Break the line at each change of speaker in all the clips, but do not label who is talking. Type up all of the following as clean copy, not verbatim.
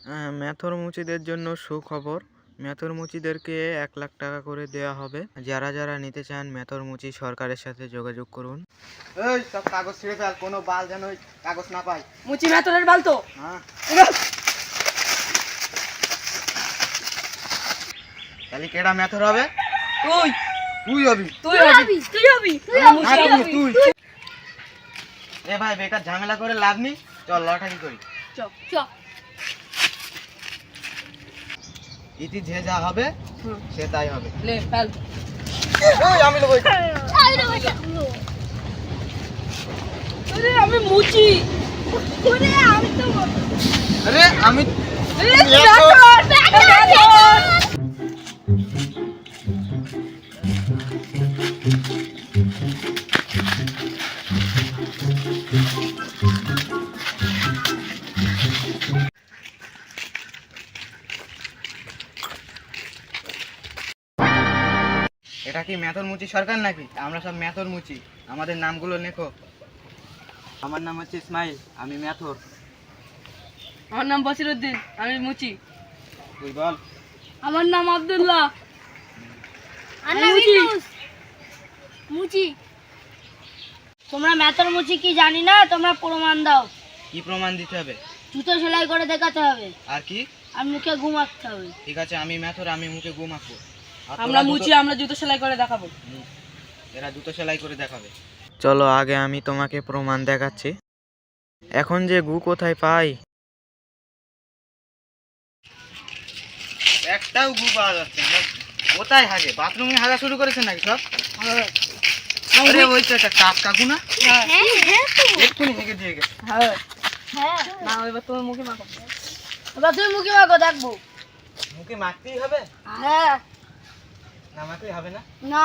মেথর মুচিদের জন্য সুখবর। মেথর মুচিদেরকে 1 লাখ টাকা করে দেওয়া হবে। যারা যারা নিতে চান মেথর মুচি সরকারের সাথে যোগাযোগ করুন।
এই সব কাগজ ছিঁড়ে ফেল, কোনো বাল যেন ওই কাগজ না পাই।
মুচি মেথরের বাল তো?
হ্যাঁ, তাহলে কেডা মেথর হবে?
তুই
তুই হবি।
তুই হবি তুই হবি
তুই এ ভাই, বেকার ঝামেলা করে লাভ নেই, চল লটারি করি।
চল
চল
ইতি যে যা হবে সে তাই হবে।
লে ফেল।
এই আমি লোক
আরে আমি মুচি।
আরে আমি এটা কি মেথর মুচি সরকার নাকি? আমরা সব মেথর মুচি, আমাদের নামগুলো লেখো। আমার নাম হচ্ছে ইসমাইল, আমি মেথর।
আমার নাম বসিরউদ্দিন, আমি মুচি।
তুই বল।
আমার নাম আব্দুল্লাহ।
আন্না বিটুস মুচি। তোমরা মেথর মুচি কি জানি না, তোমরা প্রমাণ দাও।
কি প্রমাণ দিতে হবে?
জুতো সেলাই করে দেখাতে হবে
আর কি?
আর মুখে ঘুম আঁকতে হবে।
ঠিক আছে, আমি মেথর, আমি মুখে ঘুম আঁকবো। আর
আমরা
তোরা
মুচি, আমরা জুতো সেলাই করে দেখাবো।
এরা জুতো সেলাই করে দেখাবে।
চলো আগে আমি তোমাকে প্রমাণ দেখাচ্ছি। এখন যে গু কোথায় পাই?
একটাও গু পাওয়া যাচ্ছে না। কোথায় হাগে? বাথরুমে হাগা শুরু করেছে নাকি সব? আরে ওই তো একটা কাক কাকু না,
হ্যাঁ হ্যাঁ তো
এক্ষুনি হেগে দিয়ে গেছে।
হ্যাঁ
হ্যাঁ,
না এবার তোমার মুখে মাখো।
এবার তুমি মুখে মাখো দেখবো।
মুখে মাখতেই হবে
হ্যাঁ
না? মাখলেই হবে না?
না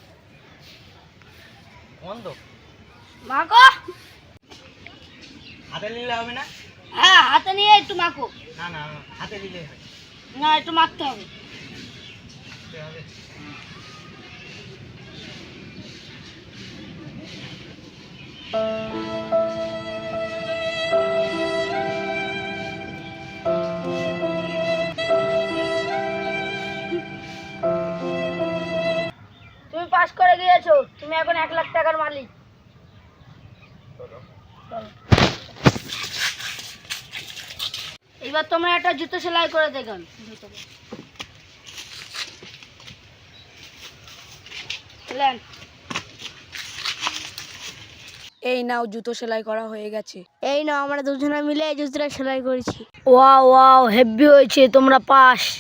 বন্ধ।
মাখো।
হাতে নিলে হবে না?
হ্যাঁ হাতে নিয়ে একটু মাখো।
না না, হাতে নিলেই হয়।
না একটু মাখতে হবে।
হাতে হবে।
তুমি পাস করে গিয়েছো, তুমি এখন 1 লাখ টাকার মালিক। চলো। এবার তোমরা একটা জুতো সেলাই করে দেখান।
এই নাও, জুতো সেলাই করা হয়ে গেছে।
এই নাও, আমরা দুজনে মিলে এই জুতোটা সেলাই করেছি। ওয়াও ওয়াও, হেভি হয়েছে, তোমরা পাস।